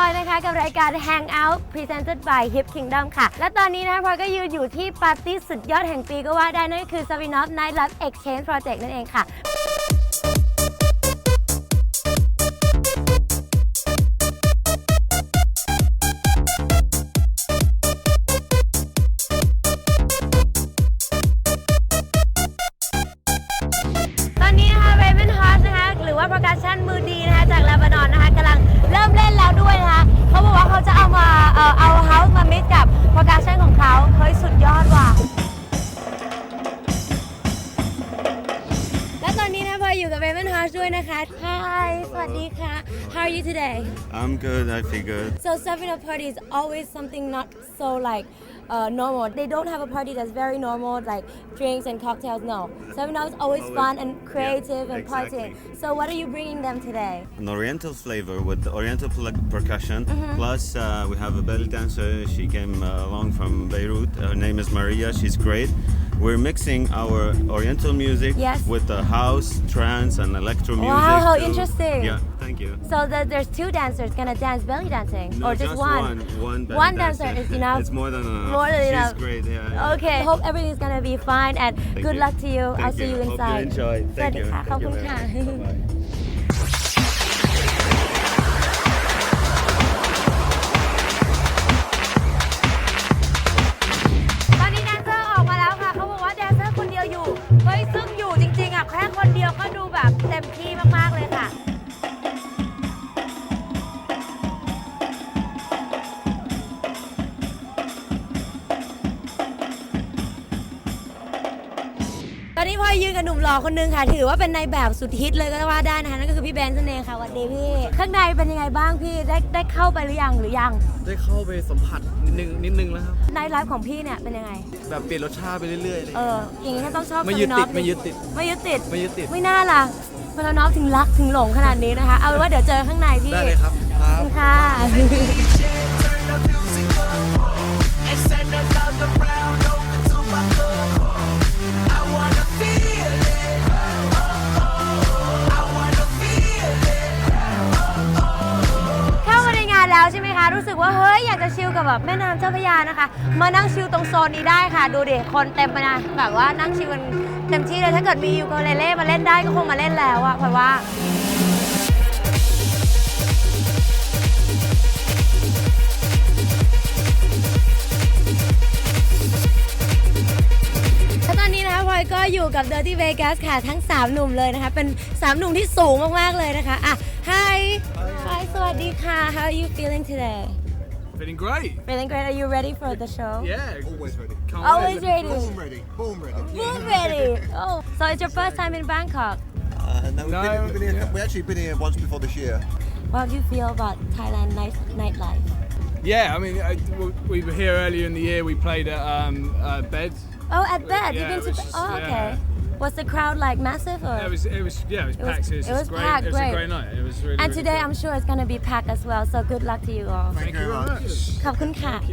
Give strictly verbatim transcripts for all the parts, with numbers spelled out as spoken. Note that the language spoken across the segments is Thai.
อยนะคะกับรายการ Hangout Presented by Hip Kingdom ค่ะและตอนนี้นะพลอยก็ยืนอยู่ที่ปาร์ตี้สุดยอดแห่งปีก็ว่าได้นั่นคือ Savinov Nightlife Exchange Project นั่นเองค่ะPercussion มือดีนะคะจากเลบานอนนะคะกำลังเริ่มเล่นแล้วด้วยนะคะเขาบอกว่าเขาจะเอามาเอ่อเอาเฮาส์มามิกกับ Percussion ของเขาเฮ้ยสุดยอดว่ะและตอนนี้นะพลอยอยู่กับ Raven Heart ด้วยนะคะ Hi สวัสดีค่ะ How are you today? I'm good. I feel good. So Savinov party is always something not so like Uh, normal. They don't have a party that's very normal, like drinks and cocktails. No, Savinov is always Always, fun and creative yeah, and exactly. partying. So what are you bringing them today? An oriental flavor with the oriental pl- percussion. Mm-hmm. Plus, uh, we have a belly dancer. She came uh, along from Beirut. Her name is Maria. She's great. We're mixing our oriental music Yes. with the house, trance, and electro music. Wow, how to- interesting. Yeah, thank you. So the, there's two dancers gonna dance belly dancing, No, or just, one? one. One, belly One dancer is enough. It's more than enough. More than She's enough. great. Yeah. yeah. Okay. Hope everything's gonna be fine and Thank good you. luck to you. Thank I'll see you you. Hope inside. you enjoy. สวัส Thank ดี you. ค่ะขอบ Thank คุณ you ค่ะ very much. Bye-bye. ตอนนี้แดนเซอร์ออกมาแล้วค่ะเขาบอกว่าแดนเซอร์คนเดียวอยู่เฮ้ยซึ่งอยู่จริงๆอ่ะแค่คนเดียวก็ดูแบบเต็มที่มากๆเลยค่ะตอนนี้พลอยยืนกับหนุ่มหล่อคนนึงค่ะถือว่าเป็นในแบบสุดฮิตเลยก็ว่าได้นะคะนั่นก็คือพี่เบนซ์นั่นเองค่ะสวัสดีพี่ข้างในเป็นยังไงบ้างพี่ได้ได้เข้าไปหรือยังหรือยังได้เข้าไปสัมผัสนิดนึงนิดนึงแล้วครับในไลฟ์ของพี่เนี่ยเป็นยังไงแบบเปลี่ยนรสชาติไปเรื่อยๆเลยเอออย่างนี้ถ้าต้องชอบไม่ยึดติด Savinov ไม่ยึดติดไม่ยึดติดไม่ยึดติดไม่น่าล่ะพลน้องถึงรักถึงหลงขนาดนี้นะคะเอาเป็นว่าเดี๋ยวเจอข้างในพี่ได้เลยครับครัขอบบคุณค่ะ เข้ามาในงานแล้วใช่ไหมคะรู้สึกว่าเฮ้ยอยากจะชิลกับแบบแม่น้ำเจ้าพระยานะคะมานั่งชิลตรงโซนนี้ได้ค่ะดูดิคนเต็มไปนะแบบว่านั่งชิลกันเต็มที่เลยถ้าเกิดมียูโกเลเล่มาเล่นได้ก็คงมาเล่นแล้วอะเพราะว่าและตอนนี้นะคะพลอยก็อยู่กับ Dirty Vegas ค่ะทั้งสามหนุ่มเลยนะคะเป็นสามหนุ่มที่สูงมากๆเลยนะคะอ่ะ Hi Hi สวัสดีค่ะ How are you feeling today Feeling great Feeling great Are you ready for the show Yeah Always ready. Can't Always wait. ready Boom ready. Boom ready. Boom ready Oh so it's your first time in Bangkok Uh, no, we've, No, been, we've, been here, yeah. we actually been here once before this year. What do you feel about Thailand night nightlife Yeah I mean I, we were here earlier in the year we played at um, uh, Bed Oh at bed Yeah, You've been it to was- Oh okay yeah. Was the crowd like massive or it was it was yeah it was It was- packed it was, it was great packed, it was great. a great night it was really And really today good. I'm sure it's gonna be packed as well so good luck to you all Thank you very much ขอบคุณค่ะ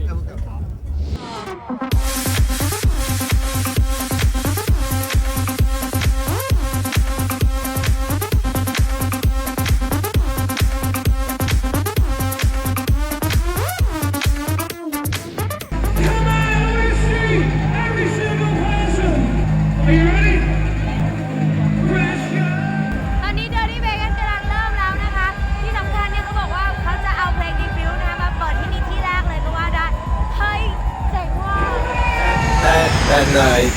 ตอนนี้ Dirty Vegas กำลังเริ่มแล้วนะคะ ที่สำคัญเนี่ยเขาบอกว่าเขาจะเอาเพลง Defuse นะคะมาเปิดที่นี่ที่แรกเลยก็ว่าได้ เฮ้ยเจ๋งว่ะ That, that night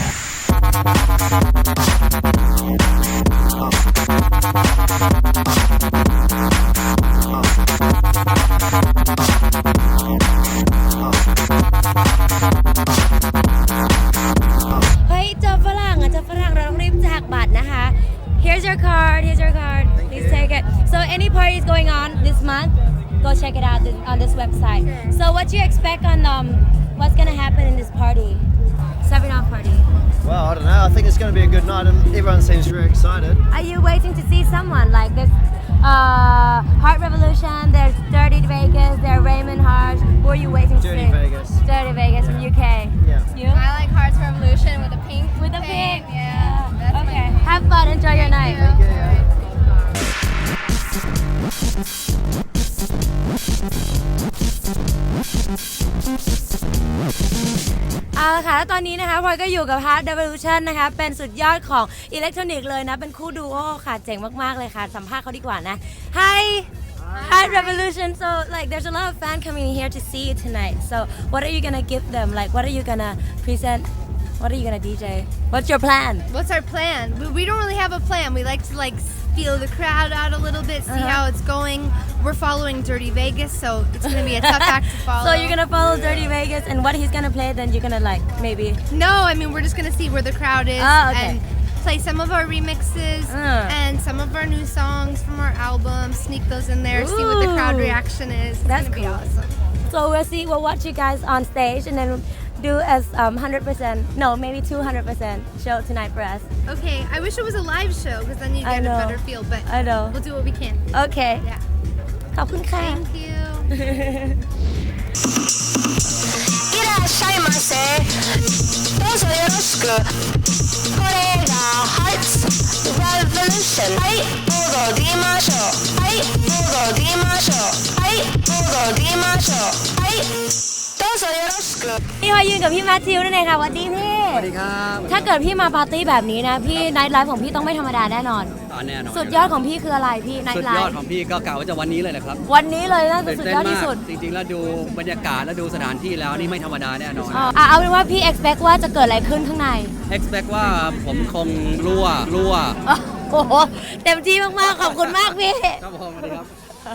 เฮ้ยเจอฝรั่งอ่ะเจอฝรั่งเราต้องรีบแจกบัตรนะคะ Here's your card Here's your card Please take it So any parties going on this month go check it out this, on this website So what do you expect on um what's gonna happen in this party Savinov party Well, I don't know. I think it's going to be a good night, and everyone seems very excited. Are you waiting to see someone like this uh, Heart Revolution there's Dirty Vegas there's Raymond Hart who are you waiting to Dirty see Vegas. Dirty Vegas from U K Yeah. You I like Hearts Revolution with the pink. with the pink Yeah. That's Okay my have fun enjoy your night Thank you. Yeah. เอาละค่ะแล้วตอนนี้นะคะพลอยก็อยู่กับ Heart Revolution นะคะเป็นสุดยอดของอิเล็กทรอนิกส์เลยนะเป็นคู่ดูโอค่ะเจ๋งมากๆเลยค่ะสัมภาษณ์เขาดีกว่านะ Hi Heart Revolution so like there's a lot of fans coming here to see you tonight so what are you gonna give them like what are you gonna present what are you gonna D J what's your plan What's our plan? We, we don't really have a plan. We like to like feel the crowd out a little bit, see Uh-huh. how it's going. We're following Dirty Vegas, so it's gonna be a tough act to follow. so you're gonna follow Dirty Vegas and what he's gonna play then you're gonna like maybe No, I mean we're just gonna see where the crowd is Oh, okay. and play some of our remixes Uh. and some of our new songs from our album. Sneak those in there, see what the crowd Ooh. reaction is. It's That's gonna be cool. awesome. So we'll see, we'll watch you guys on stage and then do as um, one hundred percent, no, maybe two hundred percent show tonight for us. Okay, I wish it was a live show because then you I get a know. better feel. But I know. we'll do what we can. Okay. Yeah. ขอบคุณค่ะ Thank you. いらっしゃいませどうぞよろしくこれが Hearts Revolution はい踊りましょうはい踊りましょうはい踊りましょうはいどうぞよろしくพี่พายยืนกับพี่แมทธิวนั่นเองค่ะสวัสดีพี่สวัสดีครับถ้าเกิดพี่มาปาร์ตี้แบบนี้นะ พี่ไนท์ไลฟ์ของพี่ต้องไม่ธรรมดาแน่นอนตอนแน่นอนสุดยอดของพี่คืออะไรพี่ไนสุท์ดไลยอดฟ์ของพี่ก็กล่าวว่าจะวันนี้เลยนะครับวันนี้เลยน่าจะตื่นสุดเต้นยอดมาที่กสุดจริงๆแล้วดูบรรยากาศแล้วดูสถานที่แล้วนี่ไม่ธรรมดาแน่นอนอ๋ออ่ะเอาเป็นว่าพี่ expect ว่าจะเกิดอะไรขึ้นข้างใน expect ว่าผมคงรั่วรั่วอ๋อโอ้โหเต็มที่มากๆขอบคุณมากพี่ครับผมสวัสดีครับ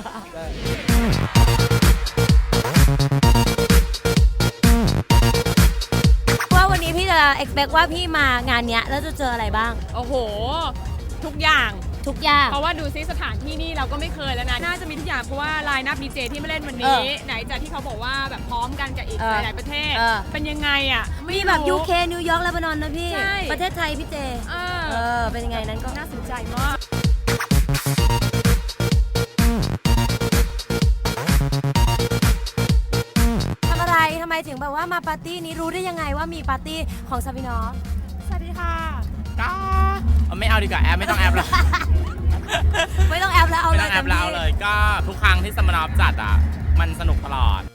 ว่าวันนี้พี่จะ expect ว่าพี่มางานเนี้ยแล้วจะเจออะไรบ้างโอ้โห ทุกอย่างทุกอย่างเพราะว่าดูซิสถานที่นี่เราก็ไม่เคยแล้วนะ น่าจะมีทุกอย่างเพราะว่าไลน์นับดีเจที่มาเล่นวันเอนี้อไหนจากที่เขาบอกว่าแบบพร้อมกันกับอีกเออหลายๆประเทศเออเป็นยังไงอ่ะมีแบบไม่ยูรู้เคนิวยอร์กเลบานอนนะพี่ใช่ประเทศไทยพี่เจเออเออ เป็นยังไงนั้นก็น่าสนใจมากทำอะไรทำไมถึงแบบว่ามาปาร์ตี้นี้รู้ได้ยังไงว่ามีปาร์ตี้ของซาบินอฟสวัสดีค่ะก็ไม่เอาดีกว่าแอปไม่ต้องแอปแล้วไม่ต้องแอปแล้วเอาไม่เลต้ยองแอปแล้วเอาเลย ก็ทุกครั้งที่สมานอฟจัดอ่ะ มันสนุกตลอด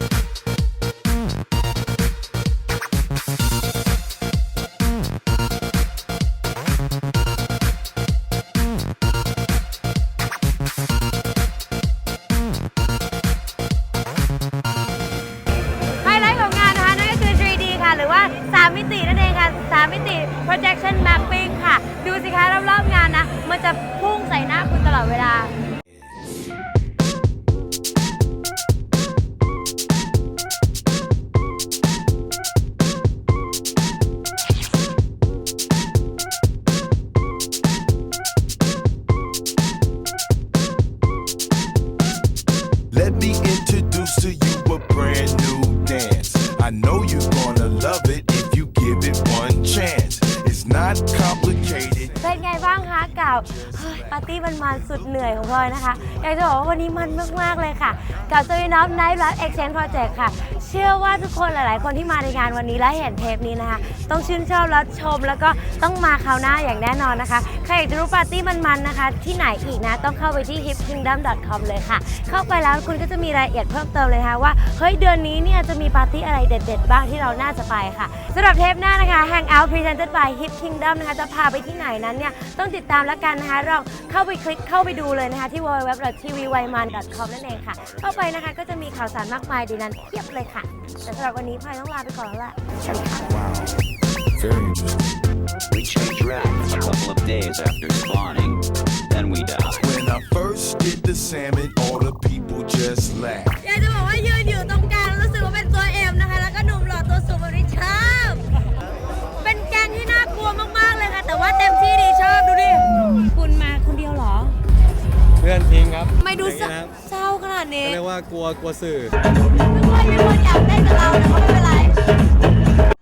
ไฮไลท์ของงานนะคะนั่นก็คือ ทรี ดี ค่ะ หรือว่าสามมิตินั่นเองค่ะสามมิติ projection mapping ค่ะ ดูสิคะรอบๆงานนะ มันจะพุ่งใส่หน้าคุณตลอดเวลา Let me introduce to you a brand new dance. I know you're gonna love it if you give it one chance. It's not complicated. เป็นไงบ้างคะกับเฮ้ยปาร์ตี้มันๆสุดเหนื่อยของพลอยนะคะ อยากจะบอกว่าวันนี้มันมากๆเลยค่ะ กับ Savinov Night Live Exchange Project ค่ะ เชื่อว่าทุกคนหลายๆ คนที่มาในงานวันนี้และเห็นเทปนี้นะคะ ต้องชื่นชอบและชมแล้วก็ต้องมาคราวหน้าอย่างแน่นอนนะคะ ใครอยากจะรู้ปาร์ตี้มันๆนะคะ ที่ไหนอีกนะ ต้องเข้าไปที่ hip kingdom dot com เลยค่ะ เข้าไปแล้วคุณก็จะมีรายละเอียดเพิ่มเติมเลยค่ะว่าเฮ้ยเดือนนี้เนี่ยจะมีปาร์ตี้อะไรเด็ดๆบ้างที่เราน่าจะไปค่ะสำหรับเทปหน้านะคะ Hangout Presented by Hip Kingdom นะคะจะพาไปที่ไหนนั้นเนี่ยต้องติดตามแล้วกันนะคะลองเข้าไปคลิกเข้าไปดูเลยนะคะที่ ดับเบิลยู ดับเบิลยู ดับเบิลยู ดอท ที วี วาย มัน ดอท คอม นั่นเองค่ะ เข้าไปนะคะก็จะมีข่าวสารมากมายในนั้นเพียบเลยค่ะแต่สำหรับวันนี้พลอยต้องลาไปก่อนแล้วล่ะสวัสดีค่ะ Very interesting. We change racks a couple of days after spawning, then we die. When I first did the salmon, all the people just laughed. อยากจะบอกว่ายืนอยู่ตรงกลางรู้สึกว่าเป็นตัวเอ็มนะคะแล้วก็หนุ่มหล่อตัวสูงแบบนี้ชอบเป็นแกงที่น่ากลัวมากๆเลยค่ะแต่ว่าเต็มที่ดีชอบดูดิคุณมาคนเดียวเหรอเพื่อนทิ้งครับไม่ดูเศร้าขนาดนี้เรียกว่ากลัวกลัวสื่อทุกคนมีคนอยากเล่นกับเราแต่เขาไม่เป็นไร